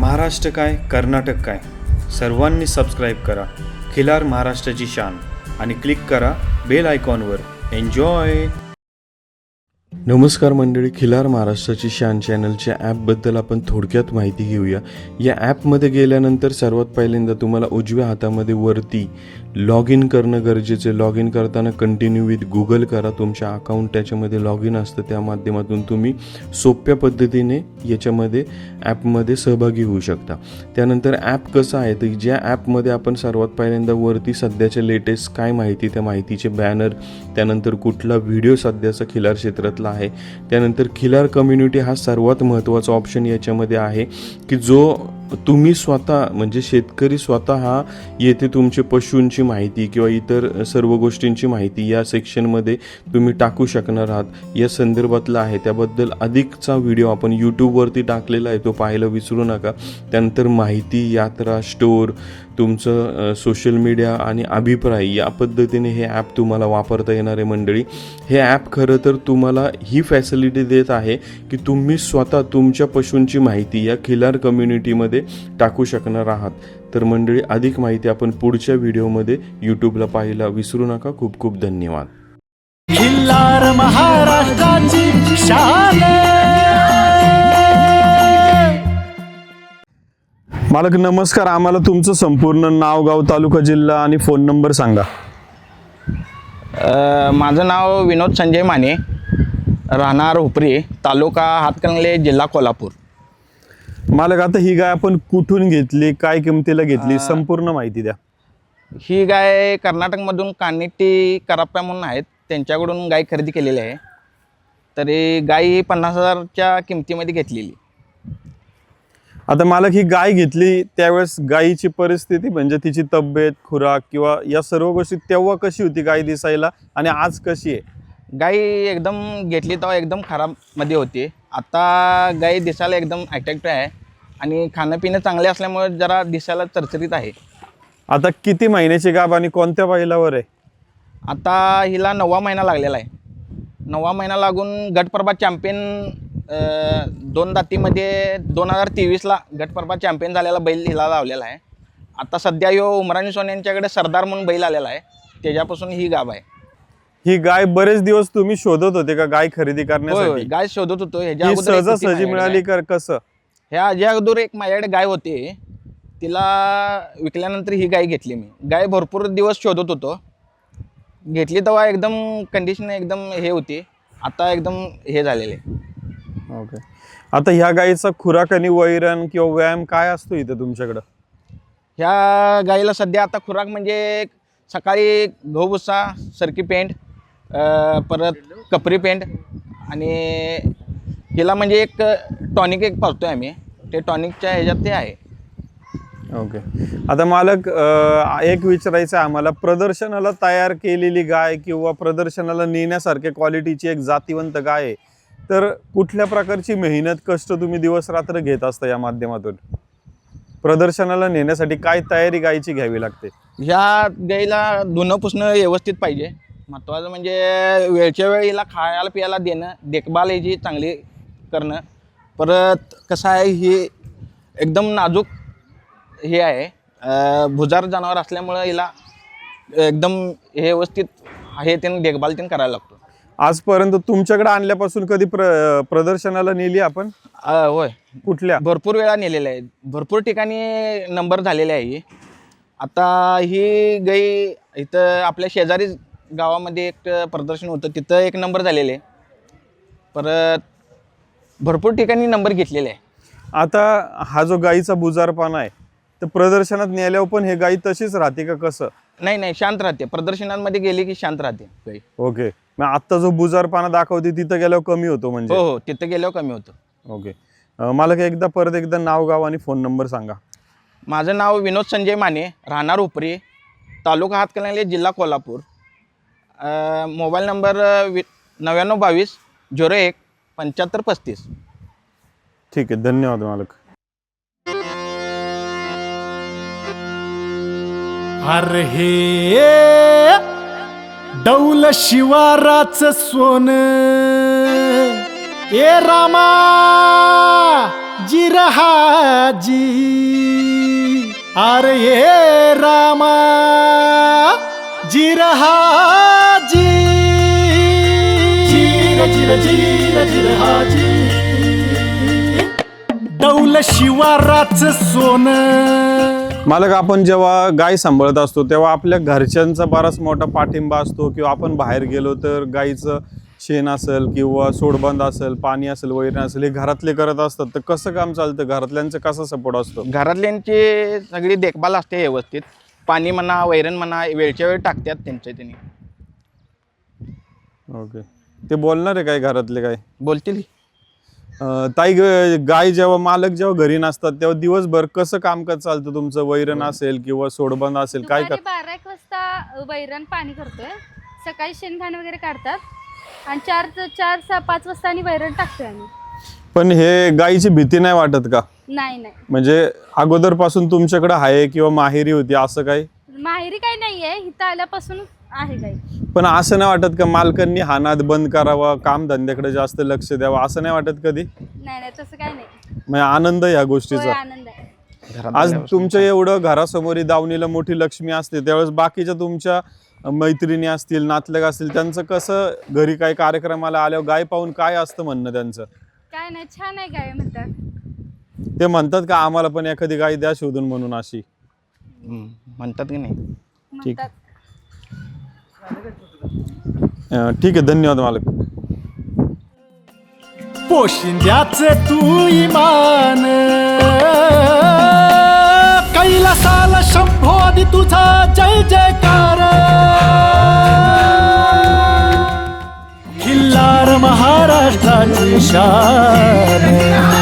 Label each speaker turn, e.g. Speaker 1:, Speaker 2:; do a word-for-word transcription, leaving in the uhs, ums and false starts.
Speaker 1: महाराष्ट्र काय कर्नाटक काय सर्वांनी सबस्क्राईब करा खिलार महाराष्ट्राची शान आणि क्लिक करा बेल आयकॉनवर। एन्जॉय। नमस्कार मंडळी, खिलार महाराष्ट्राची शान चॅनलच्या ॲपबद्दल आपण थोडक्यात माहिती घेऊया। या ॲपमध्ये गेल्यानंतर सर्वात पहिल्यांदा तुम्हाला उजव्या हातामध्ये वरती लॉग इन करणं गरजेचं आहे। लॉग इन करताना कंटिन्यू विथ गुगल करा, तुमच्या अकाउंट त्याच्यामध्ये लॉग इन असतं, त्या माध्यमातून तुम्ही सोप्या पद्धतीने याच्यामध्ये ॲपमध्ये सहभागी होऊ शकता। त्यानंतर ॲप कसं आहे तर ज्या ॲपमध्ये आपण सर्वात पहिल्यांदा वरती सध्याच्या लेटेस्ट काय माहिती, त्या माहितीचे बॅनर, त्यानंतर कुठला व्हिडिओ सध्याचा खिलार क्षेत्रातला आहे, त्यानंतर खिलार कम्युनिटी हा सर्वात महत्त्वाचा ऑप्शन याच्यामध्ये आहे की जो तुम्ही स्वतः म्हणजे शेतकरी स्वतः हा येथे तुमचे पशूंची माहिती किंवा इतर सर्व गोष्टींची माहिती या सेक्शनमध्ये तुम्ही टाकू शकणार आहात। या संदर्भातला आहे, त्याबद्दल अधिकचा व्हिडिओ आपण यूट्यूबवरती टाकलेला आहे, तो पाहायला विसरू नका। त्यानंतर माहिती, यात्रा, स्टोअर, तुमचं सोशल मीडिया आणि अभिप्राय या पद्धतीने हे ॲप तुम्हाला वापरता येणार आहे मंडळी। हे ॲप खरं तर तुम्हाला ही फॅसिलिटी देत आहे की तुम्ही स्वतः तुमच्या पशूंची माहिती या खिलार कम्युनिटीमध्ये टाकू शकणार आहात। तर मंडळी, अधिक माहिती आपण पुढच्या व्हिडिओमध्ये यूट्यूबला पाहायला विसरू नका। खूप खूप धन्यवाद।
Speaker 2: खिल्लार महाराष्ट्राची शान।
Speaker 3: मालक नमस्कार, आम्हाला तुमचं संपूर्ण नाव, गाव, तालुका, जिल्हा आणि फोन नंबर सांगा।
Speaker 4: माझं नाव विनोद संजय माने, राहणार उपरी, तालुका हातकणंगले, जिल्हा कोल्हापूर।
Speaker 3: मालक आता ही गाय आपण कुठून घेतली, काय किमतीला घेतली, संपूर्ण माहिती द्या।
Speaker 4: ही गाय कर्नाटकमधून कानिट्टी कराप्पा म्हणून आहेत, त्यांच्याकडून गाय खरेदी केलेली आहे। तरी गाय ही पन्नास हजारच्या किमतीमध्ये घेतलेली।
Speaker 3: आता मालक ही गाय घेतली त्यावेळेस गायीची परिस्थिती म्हणजे तिची तब्येत, खुराक किंवा या सर्व गोष्टी तेव्हा कशी होती गाय दिसायला आणि आज कशी आहे?
Speaker 4: गाय एकदम घेतली तेव्हा एकदम खराबमध्ये होती। आता गाय दिसायला एकदम अट्रॅक्टिव्ह आहे आणि खाणं पिणं चांगले असल्यामुळे जरा दिसायला चरचरीत आहे।
Speaker 3: आता किती महिन्याची गाभ आणि कोणत्या बैलावर आहे?
Speaker 4: आता हिला नववा महिना लागलेला आहे। नववा महिना लागून गटप्रभा चॅम्पियन दोन दातीमध्ये दोन हजार तेवीसला गटप्रभा चॅम्पियन झालेला बैल हिला लावलेला आहे। आता सध्या यो उमराणी सोन यांच्याकडे सरदार म्हणून बैल आलेला आहे, त्याच्यापासून ही गाभ आहे।
Speaker 3: ही गाय बरेच दिवस तुम्ही शोधत होते का गाय खरेदी करण्यासाठी?
Speaker 4: गाय शोधत होतो। ह्याच्या
Speaker 3: ही
Speaker 4: अगोदर
Speaker 3: सहजासहजी मिळाली का कसं?
Speaker 4: ह्या ह्याच्या अगोदर एक माझ्याकडे गाय होती, तिला विकल्यानंतर ही गाय घेतली मी। गाय भरपूर दिवस शोधत होतो, घेतली तेव्हा एकदम कंडिशन एकदम हे होती, आता एकदम हे झालेले।
Speaker 3: ओके। आता ह्या गायीचा खुराक आणि वैरण किंवा व्यायाम काय असतो इथं तुमच्याकडं?
Speaker 4: ह्या गाईला सध्या आता खुराक म्हणजे सकाळी गहू भुसा, सरकी पेंट, परत कपरी पेंट आणि हिला म्हणजे एक टॉनिक एक पाजतोय आम्ही, ते टॉनिकच्या ह्याच्यात ते आहे।
Speaker 3: ओके। आता मालक एक विचारायचं आहे आम्हाला, प्रदर्शनाला तयार केलेली गाय किंवा प्रदर्शनाला नेण्यासारख्या क्वालिटीची एक जातीवंत गाय आहे, तर कुठल्या प्रकारची मेहनत, कष्ट तुम्ही दिवस रात्र घेत असता या माध्यमातून? प्रदर्शनाला नेण्यासाठी काय तयारी गायची घ्यावी लागते?
Speaker 4: ह्या गाईला धुणं पुसणं व्यवस्थित पाहिजे, महत्त्वाचं म्हणजे वेळच्या वेळी हिला खायला प्यायला देणं, देखभाल ह्याची चांगली करणं। परत कसं आहे, ही एकदम नाजूक हे आहे, भुजार जनावर असल्यामुळं हिला एकदम हे व्यवस्थित हे त्यांनी देखभाल त्यांनी करायला लागतो।
Speaker 3: आजपर्यंत तुमच्याकडे आणल्यापासून कधी प्र प्रदर्शनाला नेली आपण?
Speaker 4: होय,
Speaker 3: कुठल्या?
Speaker 4: भरपूर वेळा नेलेल्या आहेत, भरपूर ठिकाणी नंबर झालेले आहे। आता ही गाई इथं आपल्या शेजारी गावामध्ये एक प्रदर्शन होतं, तिथं एक नंबर झालेले, परत भरपूर ठिकाणी नंबर घेतलेले आहे।
Speaker 3: आता हा जो गाईचा बुजारपणा आहे तर प्रदर्शनात नेल्यावर पण हे गाई तशीच राहते का कसं?
Speaker 4: नाही नाही, शांत राहते, प्रदर्शनांमध्ये गेली की शांत राहते गाई।
Speaker 3: ओके। मग आता जो बुजारपणा दाखवते तिथं गेल्यावर कमी होतो म्हणजे?
Speaker 4: हो हो, तिथं गेल्यावर कमी होतं।
Speaker 3: ओके। मला एकदा परत एकदा नाव, गाव आणि फोन नंबर सांगा।
Speaker 4: माझं नाव विनोद संजय माने, राहणार उपरी, तालुका हातकणंगले, जिल्हा कोल्हापूर। मोबाईल नंबर वि नव्याण्णव बावीस झिरो एक पंच्याहत्तर पस्तीस।
Speaker 3: ठीक आहे, धन्यवाद मालक।
Speaker 2: अरे हे डौल शिवाराच सोन, ए रामा जिरहाजी अरे ये रामा जिरहाजी जिर जिर जिर जिरहाजी डौल शिवाराच सोनं.
Speaker 3: मालक, आपण जेव्हा गाय सांभाळत असतो तेव्हा आपल्या घरच्यांचा बराच मोठा पाठिंबा असतो किंवा आपण बाहेर गेलो तर गाईचं शेण असेल किंवा सोडबंद असेल, पाणी असेल, वैरण असेल, हे घरातले करत असतात. तर कसं काम चालतं, घरातल्यांचा कसा सपोर्ट असतो?
Speaker 4: घरातल्यांची सगळी देखभाल असते व्यवस्थित. पाणी म्हणा, वैरण म्हणा, वेळच्या वेळ टाकतात त्यांच्या त्यांनी.
Speaker 3: ओके. ते बोलणार आहे काय घरातले काय?
Speaker 4: बोलतील.
Speaker 3: अं, ताई, ग- गाय जेव्हा मालक जेव्हा घरी नसतात तेव्हा दिवसभर कसं कामकाज चालतं तुमचं? वैरण असेल किंवा सोडबंद असेल, काय
Speaker 5: दुपारी
Speaker 3: कर
Speaker 5: बारा एक वाजता वैरण पाणी करतोय, सकाळी शेणघाण वगैरे काढतात आणि चार चार सहा पाच वाजता आणि वैरण टाकतोय आम्ही.
Speaker 3: पण हे गायीची भीती नाही वाटत का?
Speaker 5: नाही नाही
Speaker 3: म्हणजे अगोदर पासून तुमच्याकडे आहे किंवा माहेरी होती असं काही?
Speaker 5: माहेरी काही नाहीये, इथं आल्यापासून आहे काही.
Speaker 3: पण असं नाही वाटत का मालकांनी हा नाद बंद करावा, काम धंद्याकडे जास्त लक्ष द्यावं, असं नाही वाटत कधी?
Speaker 5: नाही नाही तसं काही नाही.
Speaker 3: म्हणजे आनंद या
Speaker 5: होय,
Speaker 3: गोष्टीचा.
Speaker 5: आनंद आहे.
Speaker 4: घरात
Speaker 3: आज
Speaker 4: आल्यापासून.
Speaker 3: तुमच्या एवढं घरासमोर दावणीला मोठी लक्ष्मी असते, त्यावेळेस बाकीच्या तुमच्या मैत्रिणी असतील, नातलग असतील, त्यांचं कसं घरी काही कार्यक्रमाला आल्यावर गाय पाहून काय असतं म्हणणं त्यांचं?
Speaker 5: काय नाही, छान आहे गाय म्हणतात.
Speaker 3: ते म्हणतात का आम्हाला पण एखादी गाय द्या शोधून म्हणून अशी?
Speaker 4: हम्म, म्हणतात की नाही.
Speaker 3: ठीक.
Speaker 5: म्हणतात.
Speaker 3: अं, ठीक आहे, धन्यवाद मालक.
Speaker 2: पोशिंद्याचे तू इमान कैलासाला शंभोदी तुझा जय जयकार. खिल्लार महाराष्ट्राची शान